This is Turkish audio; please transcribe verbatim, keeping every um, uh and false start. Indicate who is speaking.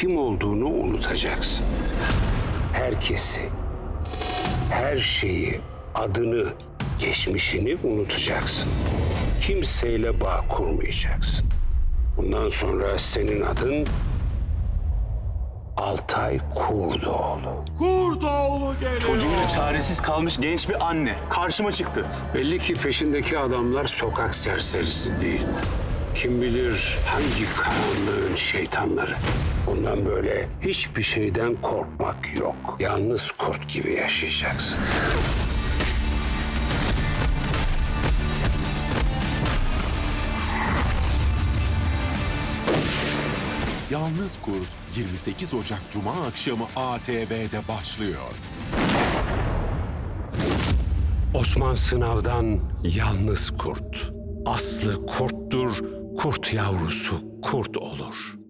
Speaker 1: kim olduğunu unutacaksın. Herkesi, her şeyi, adını, geçmişini unutacaksın. Kimseyle bağ kurmayacaksın. Bundan sonra senin adın Altay Kurdoğlu.
Speaker 2: Kurdoğlu geliyor.
Speaker 3: Çocuğuyla çaresiz kalmış genç bir anne karşıma çıktı.
Speaker 1: Belli ki peşindeki adamlar sokak serserisi değil. Kim bilir hangi karanlığın şeytanları. Bundan böyle hiçbir şeyden korkmak yok. Yalnız kurt gibi yaşayacaksın.
Speaker 2: Yalnız Kurt yirmi sekiz Ocak Cuma akşamı A T V'de başlıyor.
Speaker 1: Osman Sınav'dan Yalnız Kurt. Aslı kurttur, kurt yavrusu kurt olur.